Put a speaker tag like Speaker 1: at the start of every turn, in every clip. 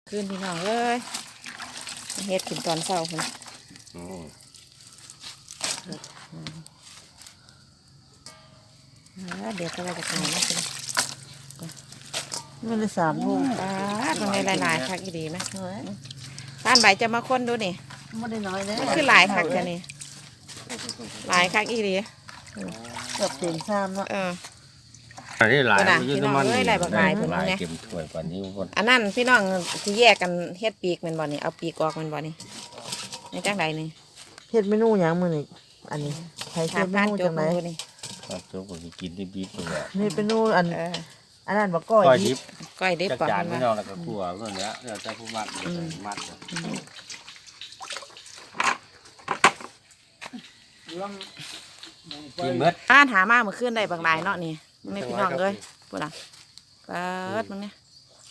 Speaker 1: ขึ้นพี่น้องเลยเฮ็ดกินตอนเช้าคนเดี๋ยวก็เราจะทำนะคุณ
Speaker 2: มันเลย3 โล
Speaker 1: ตรงนี้หลายๆคักดีไหมท่านใบจะมาค้นดูนี่
Speaker 2: ไม่ได้น้อยเลย
Speaker 1: คือหลายคักจะนี่หลายคักอีดี
Speaker 2: เกือบเต็มชามเนาะ
Speaker 3: อันนี้หลาย
Speaker 1: พี่น้องเอ้ยหลายบักหลายคนนี้
Speaker 3: เก็บถ้วยปานนี้คน
Speaker 1: อันนั้นพี่น้องที่แยกกันเฮ็ดปีกมันบ่นี่เอาปีกออกมันบ่นี่ในจังใดนี่
Speaker 2: เฮ็ดเมนูหยังมื้อนี้อันนี้ใครเฮ็ดเม
Speaker 1: ผ่าน
Speaker 2: นู
Speaker 1: จ
Speaker 2: จั
Speaker 1: บ
Speaker 2: ง
Speaker 1: มื
Speaker 2: ได๋
Speaker 1: อนี่
Speaker 3: ครับทุกคนกินดิบๆเลย
Speaker 2: เฮ็ดเมนูอันนั้นบ่ก้
Speaker 3: ก้
Speaker 2: อ
Speaker 3: อย
Speaker 2: ย
Speaker 3: ดิบ
Speaker 1: ก้อยได้
Speaker 3: จัก
Speaker 1: ปอก
Speaker 3: จาน
Speaker 1: มั
Speaker 3: ไม่
Speaker 1: น
Speaker 3: นอ
Speaker 1: ว่าน
Speaker 3: แล้วก็คั่วเรื่องนี้เดี๋ยวจะผู้มัดมัดกินเมื่อ
Speaker 1: บ้านหามาเมื่อคืนได้บางหลายเนาะนี่ไม่พี่น้องเอ้ยพูดล่ะเปิดมึงเนี่ย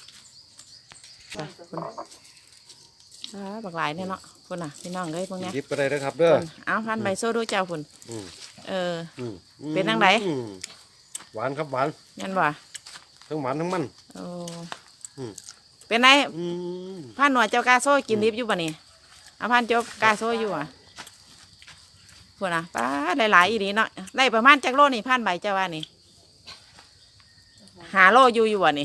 Speaker 1: บางหลายเนี่ยเนาะพูดน่ะพี่น้องเอ้ยพวกเนี้ย
Speaker 4: ยิบก็ได้นะครับเด้อ
Speaker 1: เอาพันใบโซ่ดูเจ้าพุ่นเป็นจังได
Speaker 4: หวานครับหวาน
Speaker 1: งั้นบ่
Speaker 4: ทั้งหวานทั้งมัน
Speaker 1: โอ้เป็นไงพันหน่วยเจ้ากาโซ่กินดิบอยู่บ่นี่เอาพันเจ้ากาโซ่อยู่อ่ะพูดน่ะป้าหลายๆอีดีเนาะได้ประมาณจักโลนี่พันใบเจ้าว่านี่หาโลอยู่บ่นี่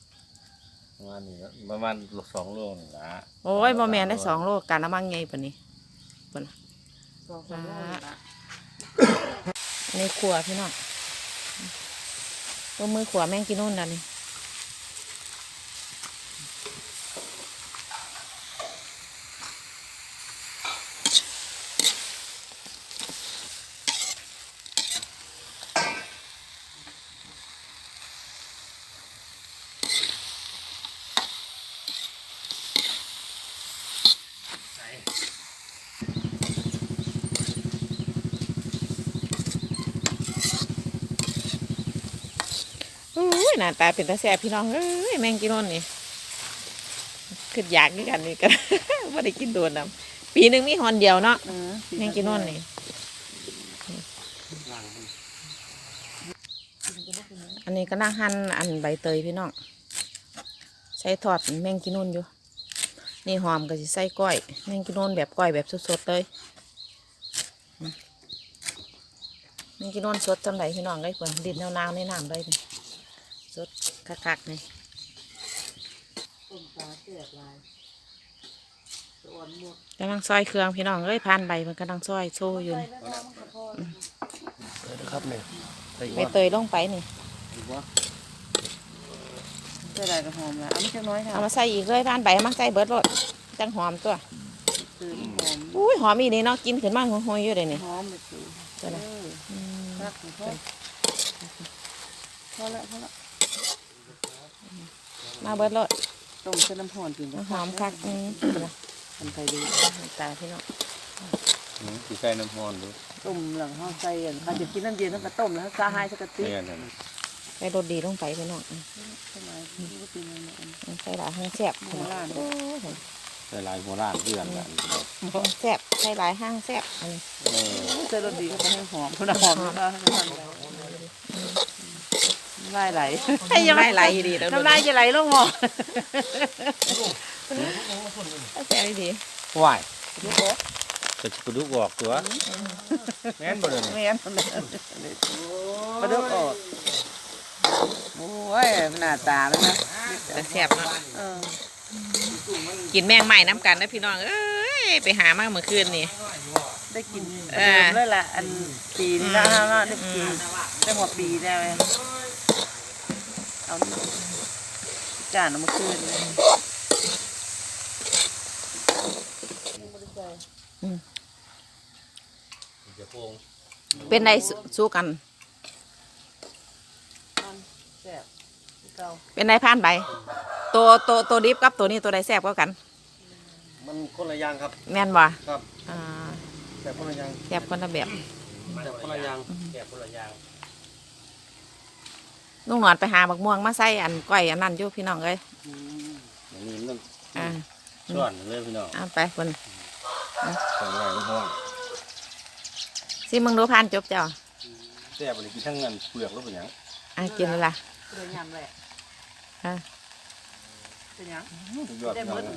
Speaker 3: ประมาณ2 โลนี่ละ
Speaker 1: โอ้ยโมแมนได้2 โลการละมั่งไงปะนี่ปะนะในขวพี่น้องตัวมือขวแม่งกินนู่นนั่นนี่อุ้ยหน้าตาเป็นตาแซ่บพี่น้องเอ้ยแม่งกินนู่นนี่คืออยากด้วยกันนี่กัน ว่าได้กินโดนน้ำปีหนึ่งมีหอนเดียวเนาะแม่งกินนู่นนี่อันนี้ก็นั่งหั่นอันใบเตยพี่น้องใช้ทอดแม่งกินนู่นอยู่นี่หอมก็จะใส่ก้อยแม่งกินนู่นแบบก้อยแบบสดๆเลยแม่งกินนู่นสดจำไหนพี่น้องเลยเพื่อนดินแนวๆในน้ำเลยสดคักๆเลยกำลังซอยเครื่องพี่น้องเอ้ยพันใบมันกำลังซอยโซ่อยู่
Speaker 4: นะครับเนี่ย
Speaker 1: ใบเตยลงไปนี่
Speaker 2: ใส่ได้ก็หอมแล้วเอามาจักน้อยค่ะ
Speaker 1: เอามาใส่อีกเลยพันใบมาใส่เบิดรสจังหอมตัว
Speaker 2: คือหอม
Speaker 1: อุ้ยหอมอีนี่เนาะกินขึ้นมาหอยๆอยู่เลยนี่
Speaker 2: หอมเลยสิ
Speaker 1: ตัวไหน
Speaker 2: รักพอแล้ว
Speaker 1: มาเบิดรส
Speaker 2: ต้มเส้นน้ำหอมกิน
Speaker 1: หอมคัก
Speaker 2: มันไปดี
Speaker 1: ตาพี่น้อง
Speaker 3: ที่ใส่น้ำร้อนดู
Speaker 2: ต้มหลังห้องใส่อันเขาจะกินน้ำเย็นต้องกระต้มแล้วซาไฮสักกะติ
Speaker 3: เนี่ยนั่น
Speaker 1: ใส่รสดีลงไปพี่น้อง
Speaker 2: ทำไมไม่เป็นไร
Speaker 1: ใส่หลายห้างแซ่บ
Speaker 2: โบราณ
Speaker 3: ใส่ลายโบราณเพื่อนกัน
Speaker 1: แซ่บใส่หลายห้างแซ่บ
Speaker 2: ใส่รสดีก็ไปให้หอมคนละหอมก็ไล่ไหล
Speaker 1: ให้ยังไม่ไหลดีแล้ว
Speaker 2: น้ำลายจะไหลลงหม้อ
Speaker 1: แซ่บดี
Speaker 3: ไหวจะกระดูกออกตัวแม่นบ่เลย
Speaker 2: ไม่งั้นมาดูออกโอ้ยหน้าตาแล้วนะ
Speaker 1: แต่แซ่บเนาะกินแมงใหม่น้ำกันนะพี่น้องเอ้ยไปหามาเมื่อคืนนี่
Speaker 2: ได้กินเดิมเลยล่ะอันปีนี้นะฮะได้ปีได้หัวปีได้ไหมเอาจานเอามาคืน
Speaker 1: เป็นไรสู้กัน
Speaker 2: แซ่บเก่า
Speaker 1: เป็นไรผ่านไปตัวดิบกับตัวนี้ตัวใดแซ่บกว่ากัน
Speaker 4: มันคนละอย่างครับ
Speaker 1: แม่นบ่
Speaker 4: ครับ
Speaker 1: อ่า
Speaker 4: แต่คนละอย่าง
Speaker 1: แซ่บคนละแบบ
Speaker 4: แต่คนละอย่าง
Speaker 3: แกคนละอย่าง
Speaker 1: ลุงหนอนไปหาบักม่วงมาใส่อันก้อยอันนั้นอยู่พี่น้องเอ้ย
Speaker 3: อย่างนี้มัน
Speaker 1: อ่า
Speaker 3: ส่วนเลยพี่น้อง
Speaker 1: เอาไปคน
Speaker 3: ส่วนใหญ่ก็ห้อง
Speaker 1: สิมึงรู้ผ่านจบเจ้า
Speaker 3: แต่บริกินทั้งเงินเปลือกแล้วเป็นหยัง
Speaker 1: กินเลยล่ะ
Speaker 2: เลยยำแหละ
Speaker 1: อ่า
Speaker 2: เเป็นหยัง
Speaker 4: สุดยอด
Speaker 2: ได้หมด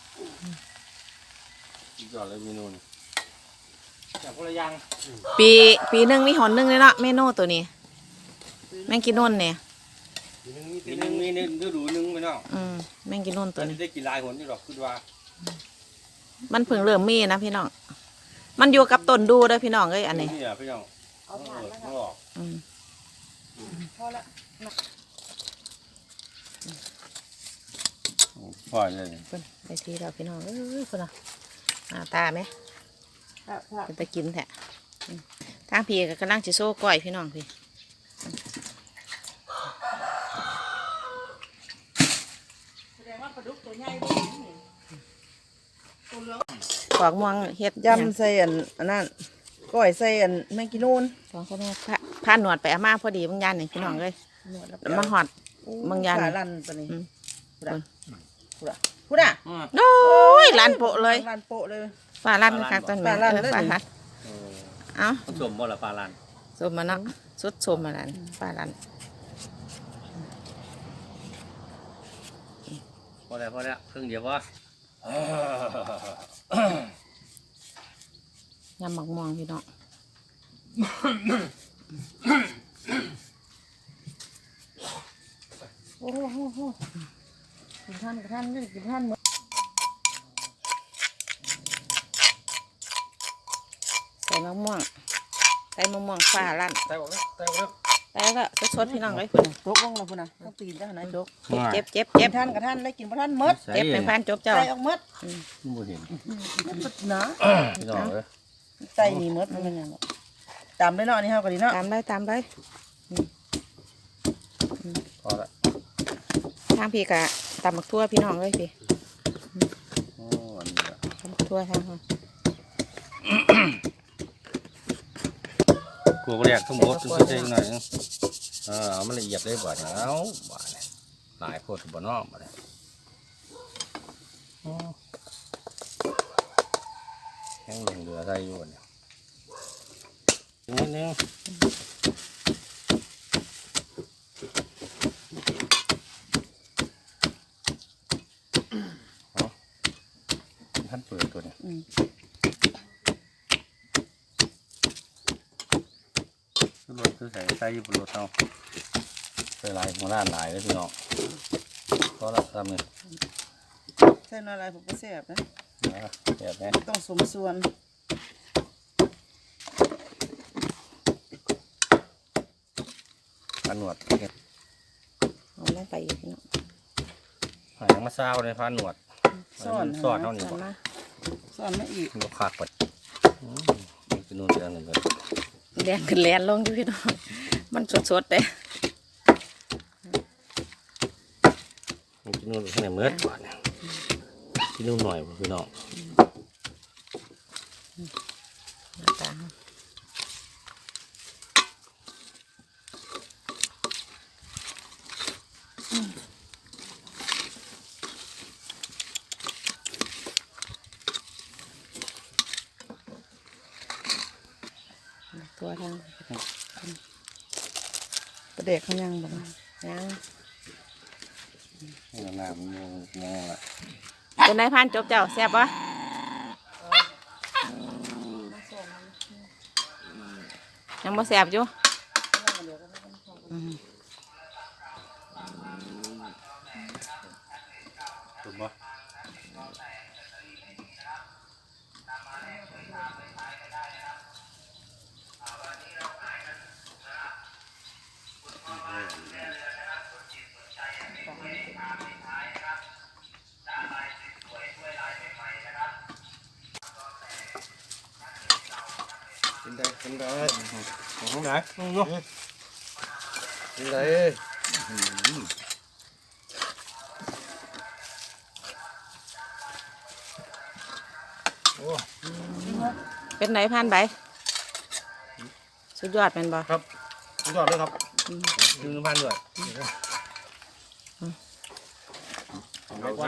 Speaker 4: สุดยอดเลยเมนูนี่
Speaker 3: แบบคนละอย่าง
Speaker 1: ปีหนึงมีหนหนึงเลยเนาะเมนูตัวนี้แมงกินนุ่นเนี่ย
Speaker 3: ปีนึงมีฤดูนึงไปเนาะ
Speaker 1: แมงกินนุ่น
Speaker 3: ต
Speaker 1: ตั
Speaker 3: อ
Speaker 1: วน
Speaker 3: นี้
Speaker 1: นี้
Speaker 3: ได้กี่ลายหนนี่หรอกคือว่า
Speaker 1: มันเพิ่งเริ่มมีนะพี่น้องมันอยู่กับต้นดูเด้อพี่น้องเอ้ยอันนี้
Speaker 3: นี่อ่ะพี่น้อง
Speaker 2: เอาผ่านแล้ว
Speaker 3: ข้างออก
Speaker 1: อืม
Speaker 2: พอละ
Speaker 3: พ่อเลย
Speaker 1: เพิ่นไปทีแล้วพี่น้องเอ้ยเพิ่นตาไหม
Speaker 2: ถ้า
Speaker 1: เป็นตะกินแท้ทางพี่ก็กำลังจะโซ่ก้อยพี่น้องพี่
Speaker 2: แสดงว่าปลาดุกตัวใหญ่ด้วยนี่ตัวเหลือง
Speaker 1: ปอกม่วงเฮ็ด
Speaker 2: ยำใส่อันนั้นก้อยใส่แมงกินูน
Speaker 1: สองคนแม่ผ้าหนวดไปอาม่าพอดีบางยานนี่พี่น้องเลยแล้วมาหอด บางอย่าง
Speaker 2: ขาลั่นตัวนี้
Speaker 1: อืม
Speaker 2: พูดอ่ะพูดอ่ะ
Speaker 1: โอ้ยลานโปะเลย
Speaker 2: ลั่นโปะเลย
Speaker 1: ฟ้าลั่นนะคะต้นแม่
Speaker 2: ฟ้าลั่นเลย
Speaker 1: ฟ้าลั่นเอ้า
Speaker 3: ผสมบ่ละปลาลัน
Speaker 1: สมมาเนาะสุดสมมาแล้วฟ้าลั่น
Speaker 3: พอแล้วครึ่งเดียววะ
Speaker 1: ยำหมักม่วงพี่น้อง
Speaker 2: โอ้โหกินท่านกับท่านนี่กินท่านหมด
Speaker 1: ใส่มะม่วงใส่มะม่วงฟ้าลั่น
Speaker 4: ใส่ออกแล้วใส่ออกแล้ว
Speaker 1: แล้วก็สดๆพี่น้องเลยพุ่น
Speaker 2: จกลงมาพุ่นนะต้องตีนได้ขนาดจก
Speaker 1: เจ็บ
Speaker 2: กิ
Speaker 1: เจ็
Speaker 2: น
Speaker 1: บ
Speaker 2: ท่านกับท่านได้กินบ่ท่านหมด
Speaker 1: เจ็บเป็นพันจบเจ้า
Speaker 2: ใส่ออกหมด
Speaker 3: บ่เห็น
Speaker 2: หมดนะ
Speaker 3: พี่น้องเอ้ย
Speaker 2: ใส่นี่หมดมันเป็นหยังตามได้เนาะนี่เฮาก็ดีเนาะ
Speaker 1: ตามได้
Speaker 3: พอละ
Speaker 1: ทางพี่กะตำหมักทั่วพี่น้องเลยพี่
Speaker 3: โอ้อันนี้ละ
Speaker 1: ตำหมักทั่วทางเขา
Speaker 3: กลัวบ่แรกทั้งหมดต้องใส่หน่อยนึงเอามันละเอียดเลยบ่เนี่ยเอาบ่เนี่ยหลายโพดบ่เนาะบ่เนี่ยแห้งเหลือได้อยู่เนี่ยนิดนึงท่านเปิดตัวเนี่ยคือรถคือใส่อยู่บนรถเอาใส่ลายหัวหน้าหลายเลยพี่น้องก็ละทำเลย
Speaker 2: ใส่น้อยอะไรผมก็แซ่บนะ
Speaker 3: แบบนี้
Speaker 2: ต้องสมส่วน
Speaker 3: พันหนวด
Speaker 1: เอาลงไปอีกพี่น้อง
Speaker 3: หายมาเศร้าเลยพันหนวดสอดเท่านี้
Speaker 1: เอา
Speaker 3: ก่อน
Speaker 1: มา
Speaker 2: ส่วนมาอีก
Speaker 3: มันก็ขาดไปนี่คือนู่นเรื่องหนึ่งเลย
Speaker 1: แดงขึ้นแลนลงอยู่พี่น้องมันสดๆเลย
Speaker 3: นี่คือนู่นข้างในเมื่อก่อนที่นู่นหน่อยพี่น้อง
Speaker 1: หน้าตาเขาตัวทาง
Speaker 2: ประเด็กเขายังบ่
Speaker 1: ยัง
Speaker 3: นี่น้ำมันงงละ
Speaker 1: เป็นนายพันจบเจ้าแซ่บปะยังบ่แซ่บอยู่
Speaker 3: ถูกปะ
Speaker 4: กินได้กินได้
Speaker 3: ของไหนเนาะ
Speaker 4: กินได้
Speaker 1: เป็นไหนพันใบสุดยอดเป็นบ่
Speaker 4: ครับสุดยอดเลยครับ
Speaker 3: ยืนพันด้วย
Speaker 4: เอาไว้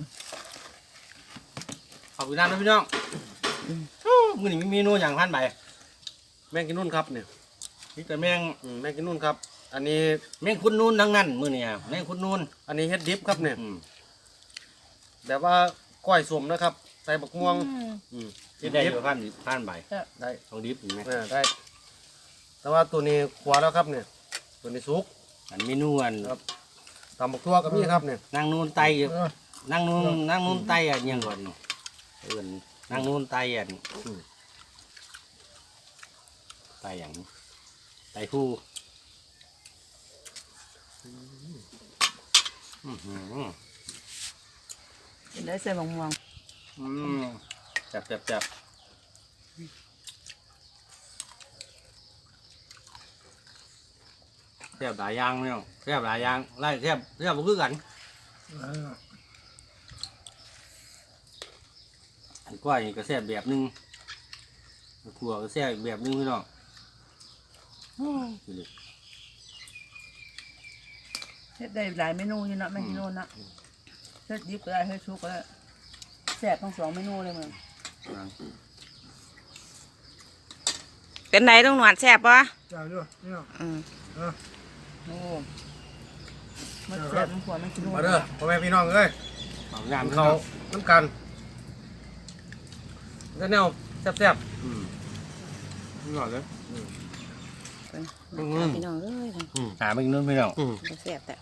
Speaker 3: ขอบคุณน้ำนะพี่น้องมือนี้มีเมนูอย่างพันใบ
Speaker 4: แมงกินนุ่นครับเนี่ย
Speaker 3: นี่แต่แมง
Speaker 4: แมงกินนุ่นครับ อันนี้
Speaker 3: แมงคุณนูนทั้งนั้นมือเนี่ยแมงคุณนูน
Speaker 4: อันนี้เฮ็ดดิบครับเนี่ยแบบว่าก้อยสมนะครับใส่บักม่วงดิบ
Speaker 3: ได้อ
Speaker 4: ดิบ
Speaker 3: ยู่พันใบ
Speaker 4: ได้
Speaker 3: ต้องดิบอยู่ไหม
Speaker 4: ได้ แต่ว่าตัวนี้ขวาแล้วครับเนี่ยตัวนี้สุก
Speaker 3: อันเมนูอัน
Speaker 4: ตำบักทั่วก็มีครับเนี่ย
Speaker 3: นั่งนูนไตอยู่นั่งนูนไตอ่ะยังก่อนนี่เอิ้นนั่งนูนไตอ่ะไตอย่างไตผู้อื้อหือ
Speaker 2: กินได้ใส่มะม่วง
Speaker 3: จับแซ่บหลายอย่างเนี่ยแซ่บหลายอย่างไล่แซ่บบ่คือกันอันกล้วยนี่ก็แซ่บแบบหนึงอันขั่วก็แซ่บอีกแบบหนึงพี่น้องนี่
Speaker 2: เฮ็ดได้หลายเมนูอยู่เนาะแม่กินโน่นเนาะเฮ็ดดิบก็ได้เฮ็ดชุกก็ได้แซ่บทั้ง2เมนูเลยมึง
Speaker 1: เป็นไหนต้องหนวดแซ่บปะ
Speaker 4: จ้าด้วยนี่
Speaker 1: อืม
Speaker 2: โอ้มันแซ่บมันขวดมันกินโน่น
Speaker 4: มาเด้อพ่อแม่พี่น้องเอ้ย
Speaker 3: เอาน้ำ
Speaker 4: เขาน้ำกันแล้วแนวแซ่บ
Speaker 3: นี่ก่อนเลย
Speaker 1: พี่น้องเอ้ย
Speaker 3: หาไปกินนู่นพี่น้อง
Speaker 1: แซ่บแต่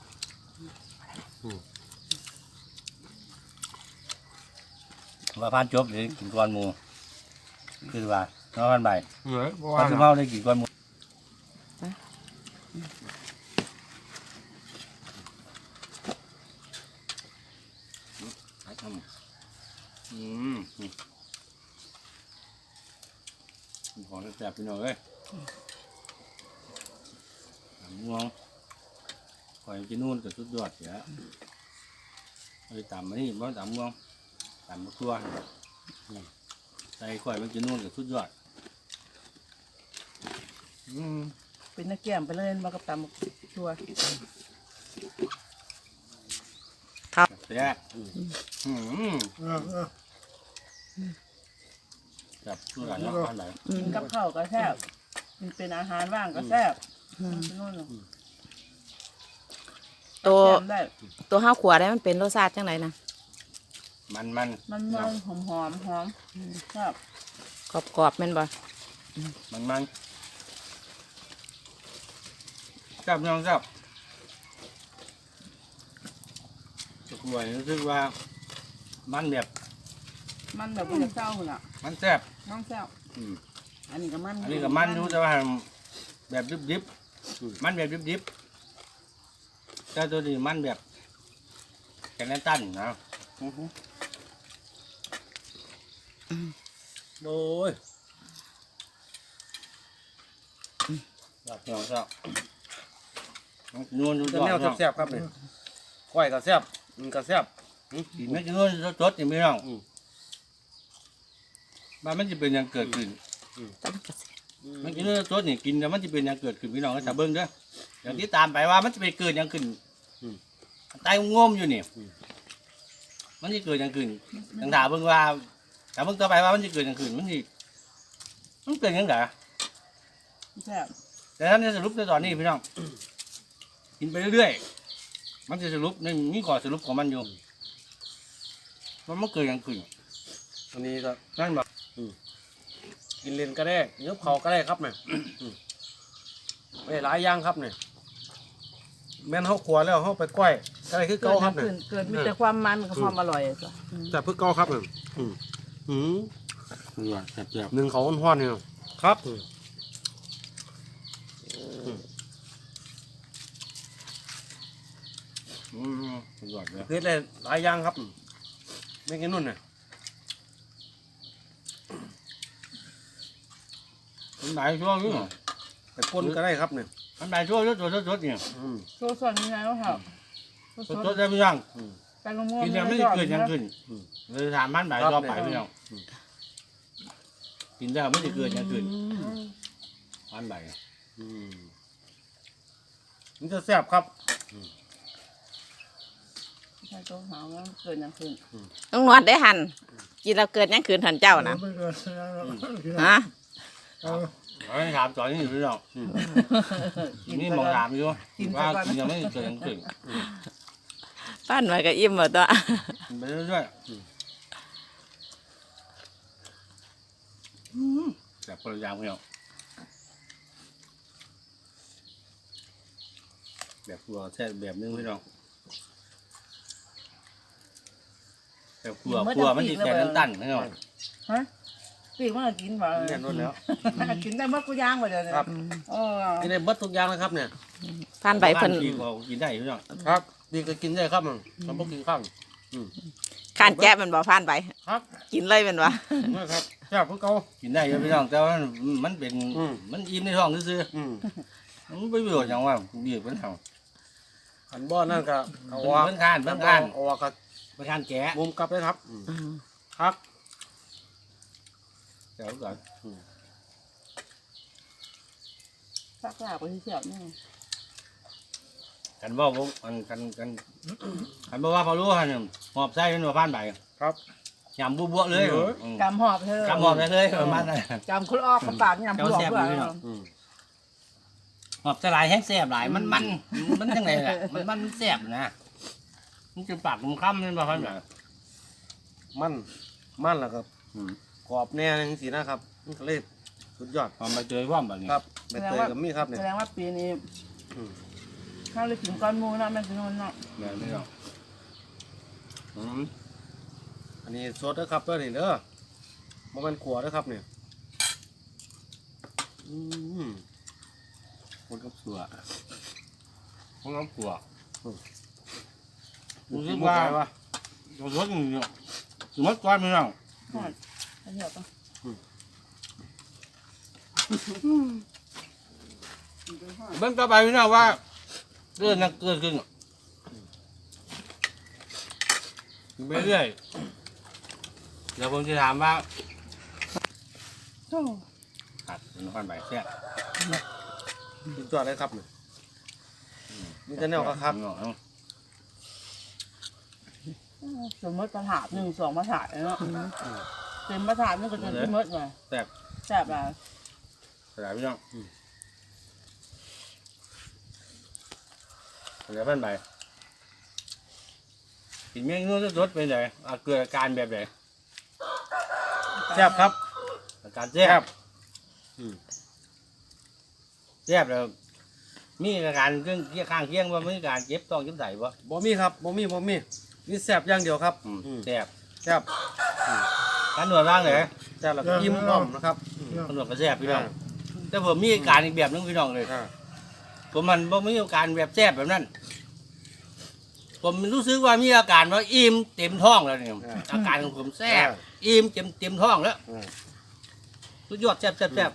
Speaker 3: ว่าพานจบเดี๋ยวกินก้อนหมูคือว่าน้องพันใบ
Speaker 4: ๆเหนื่อยเพราะ
Speaker 3: พา
Speaker 4: ว่าน
Speaker 3: สุภาพได้กินก้อนหมูของแซ่บพี่น้องเอ้ยม่วงคอยกินนู่นกับสุดยอดเสียไปตำมานี่บ้านตำม่วงตำมะกรัวใส่ข่อยมันกินนู่นกับสุดยอด
Speaker 2: เป็นนักแก้มไปเลยมากับตำชัว
Speaker 3: แซ่บจับตัวกันแล้วพันไหน
Speaker 2: กินกับข้าวก็แซ่บมันเป็นอาหารว่างก็แซ่บกินโน่นเนาะ
Speaker 1: ตัว
Speaker 2: แซ่บได้
Speaker 1: ตัวห้าวขวดได้มันเป็นรสชาติจังไรนะ
Speaker 3: มัน
Speaker 2: มันหอมหอมแซ่บ
Speaker 1: กรอบๆแม่นบ่
Speaker 3: มันจับน้องจับตะกรวยรู้สึกว่ามันแบบ
Speaker 2: มันแบบมันจะเศร้าหุ่นอ่ะ
Speaker 3: มันแซ่บ
Speaker 2: น้องแซ่บอันนี้ก็มัน
Speaker 3: อันนี้กับมันรู้แต่ว่าแบบดิบมันแบบดิบแต่ตัวนี้มันแบบแกนตันนะโอ้ยจับน้องจับนวลดู
Speaker 4: เป็นแนวแซ่บๆครับเนี่ยก้อยก็แซ่บมันก็แซ่บ
Speaker 3: กินไม่กินนวลสดๆอย่างไม่ต้องมันจะเป็นอย่างเกิดขึ้น มันกินเนื้อสดนี่กินแล้วมันจะเป็นอย่างเกิดขึ้นพี่น้องก็จะเบิ้งเด้ออย่างที่ตามไปว่ามันจะไปเกิดอย่างขึ้นตายงมอยู่นี่มันจะเกิดอย่างขึ้นต่างถามเบิ้งว่าแต่เบิ้งต่อไปว่ามันจะเกิดอย่างขึ้นมันเกิดอย่างไร
Speaker 2: แซ่บ
Speaker 3: แต่ท่านจะสรุปในตอนนี้พี่น้องกินไปเรื่อยๆมันจะสรุปในนี่ก่อนสรุปของมันอยู่มันเกิดอย่างขึ้น
Speaker 4: อันนี้ก็
Speaker 3: นั่นบอก
Speaker 4: กินเลนก็ได้เนื้อเผาก็ได้ครับเนี่ยไม่หลายอย่างครับเนี่ยแม่นเขาขวแล้วเขาไปก้อยก็ได้คือเก่าครับเนี่ย
Speaker 2: เกิดมีแต่ความมันกับความอร่อยจ้ะ
Speaker 4: แต่เพื่อเก่าครับเนี่ย
Speaker 3: แซ่บ
Speaker 4: หนึ่งเขาห้อนๆเนี่ยครับ
Speaker 3: สุดยอดเลย
Speaker 4: เฮ็ดเลยหลายอย่างครับไม่กินนุ่นเนี่ย
Speaker 3: มันหลายช่วงอยู่
Speaker 4: ไปปนก็ได้ครับเนี่ย
Speaker 3: มันหลายช่วงสดๆเนี่ย
Speaker 2: โซส่วนยังไงวะครับ
Speaker 3: สดๆได้พี่น้อง
Speaker 2: แตงโม
Speaker 3: กินแล้วไม่ได้เกิดหยังขึ้นเลยถามมันบ่ายต่อไปพี่น้องกินแล้วไม่ได้เกิดหยังขึ้นมันบ่าย
Speaker 4: มันจะแซ่บครับ
Speaker 2: ใช่ตัวหาว่าเกิดอย่างขึ้น
Speaker 1: ต้องหนวดได้หันกินแล้วเกิดหยังคืนหันเจ้านะฮะ
Speaker 3: ไม่ถามตอนนี้อยู่พี่น้องนี่มองถามอยู่ว่ากินแล้วไม่ได้เกิดหยังขึ้น
Speaker 1: ป้านมาก็อิ่มหมดตัว
Speaker 3: กินไปเรื่อยๆแบบคนละอย่างพี่น้องแบบครัวแท้แบบนึงพี่น้องแบบครัวมันสิแค่ตันๆพี่น้อง
Speaker 2: ฮะปีกมันก็กินบ่
Speaker 4: เรียนรถแล้ว
Speaker 2: กินได้หมดกูย่างบ่เดี๋ยวนี้
Speaker 4: ครับ
Speaker 2: เออ
Speaker 4: กินได้เบิดทุกอย่างนะครับเนี่ย
Speaker 1: ผ่านใบเพิ่น
Speaker 3: บ้าพี่ก็กินได้พี่น้อง
Speaker 4: ครับดีก็กินได้ครับมันมันบ่กินข้าง
Speaker 1: ข้านแจ๊บมันบ่ผ่านใบ
Speaker 4: ครับ
Speaker 1: กินเลยแมันบ่
Speaker 4: นี่ครับแซ่บคือเก่า
Speaker 3: กินได้อยู่พี่น้องแต่ว่ามันเป็น
Speaker 4: อืม
Speaker 3: มันอิ่มในท้องซื่อ
Speaker 4: อืม
Speaker 3: ๆมันไม่ประโยชน์อย่างว่าดีเพิ่นเฮา
Speaker 4: อันบ่อนั่นก็เอาออก
Speaker 3: เพิ่นข้านเพิ่นข้าน
Speaker 4: เอาออกก็
Speaker 3: เพิ่นข้านแกะ
Speaker 4: มุมกลับเลยครับครับ
Speaker 3: เดี๋ยวก่อน
Speaker 2: ซักลาบไปเสียบนี่
Speaker 3: กันบ่ผมกันบ่ว่าพอรู้ฮะเนี่ยหอบไส้เป็นว่าผ่านใบ
Speaker 4: ครับ
Speaker 3: ยำบัวๆเลย
Speaker 2: กำหอบเธอก
Speaker 3: ำหอบได้เลยประมาณนั้น
Speaker 2: กำคุณออกกับปากยำคุณออกด้วย
Speaker 4: อืม
Speaker 3: หอบสลายแห้งแซ่บหลายมันจังไงล่ะมันแซ่บนะมันจะปากมันค่ำนี่บ่ผ่านใบ
Speaker 4: มันแล้วก็กรอบแน่จังซี่นะครับมันก็เลยสุดยอด
Speaker 3: พอมาเจอพร้อมแบบนี้
Speaker 4: ครับใบเตยก็มีครับเนี่ย
Speaker 2: แสดงว่าปีนี้
Speaker 4: อืม
Speaker 2: ข้าวเลยถึงก้อนมูเนาะแม่พี่นนท์เนาะ
Speaker 3: แบบนี้เนาะ
Speaker 4: อันนี้สดเด้อครับเด้อนี่เด้อบ่แม่นขัวเด้อครับเนี่ยอืม
Speaker 3: คนกับสัวคนกับขัว
Speaker 4: รู้
Speaker 3: รู้
Speaker 4: สึ
Speaker 3: สึ
Speaker 4: ก
Speaker 3: ก
Speaker 4: ว่า
Speaker 3: ว่าเราสดอยู่เนี่ยสมมติก้อนพี่น้อง
Speaker 2: อันนี้ก็
Speaker 3: เบิ่งต่อไปพี่น้องว่าเรื่องนั้นเกิดขึ้นไปเรื่อยเดี๋ยวผมจะถามว่าครับเป็นก้อนใบแซ่บ
Speaker 4: สุดยอดเลยครับเนี่ยมีแต่แนวครับ
Speaker 2: สมมติประถาด1 2ประถาดเนาะเต็มประถาดนึงก็จนที่มดเลย
Speaker 3: แซ่บ
Speaker 2: แซ่บอ่ะ
Speaker 3: สลายพี่น้องสลายเป็นใบกินเมี่ยงนู้นรสเป็นไงเกิดอาการแบบไหน
Speaker 4: แซ่บครับ
Speaker 3: อาการแซ่บแซ่บแล้วมีอาการเครื่องเคียงข้างเคียงว่ามีอาการเจ็บต้องเจ็บใส่ปะ
Speaker 4: บ่มีครับบ่มีนี่แซ่บอย่างเดียวครับ
Speaker 3: แซ่บ
Speaker 4: แซ่บ
Speaker 3: การหนวดร่างเลย
Speaker 4: แซ่บแล้วก็อิ่มอ้อมนะครับ
Speaker 3: การหนวดก็แซ่บพี่น้องแต่ผมมีอาการอีกแบบนึงพี่น้องเลย
Speaker 4: อ่า
Speaker 3: ผมมันบ่มีอาการแบบแซ่บแบบนั้นผมรู้สึกว่ามีอาการว่าอิ่มเต็มท้องแล้วเนี่ยอาการของผมแซ่บอิ่มเต็มท้องแล้ว
Speaker 4: อ่า
Speaker 3: สุดยอดแซ่บ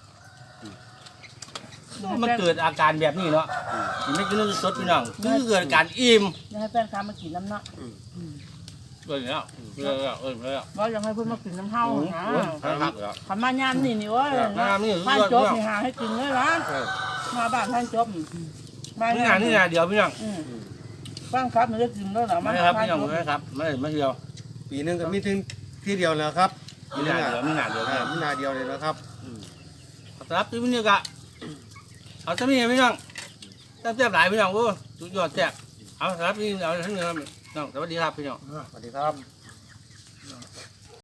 Speaker 3: มันเกิดอาการแบบนี้เนาะกินไม่กินสดพี่น้องคือเกิดอาการอิ่ม
Speaker 2: อยากให้แฟนค้ามากินน้ำเนาะ
Speaker 3: เลยแล้วเลยแล้ว
Speaker 2: ว่าอยากให้เพิ่นมากินน้ำเฮานะ
Speaker 3: ครับแล้ว
Speaker 2: ขันมายามนี่เว้ย
Speaker 3: น้ำนี่
Speaker 2: ท่าน
Speaker 3: สุด
Speaker 2: จ
Speaker 3: ย
Speaker 2: บ
Speaker 3: อด
Speaker 2: นี่หาให้กินเลยนะ
Speaker 4: เออ
Speaker 2: มาบ้านท่านจบมา
Speaker 3: นี่นะเดี๋ยวพี่น้อง
Speaker 2: บ้านครับมันจะกินแล้วเหรอ
Speaker 3: ไม่ครับพี่น้องไม่ครับไม่เดียว
Speaker 4: ปีหนึงก็มีถึงที่เดียวแล้วครับ
Speaker 3: มีหนาเดียวมีหนาเดียว
Speaker 4: มีนาเดียวเลยนะครับ
Speaker 3: ครับที่นี่กะเอาจะมีพี่น้องแซ่บหลายพี่น้องโอ้สุดยอดแซ่บเอาครับพี่เอาทั้งนี้น้องสวัสดีครับพี่น้อง
Speaker 4: สวัสดีครับ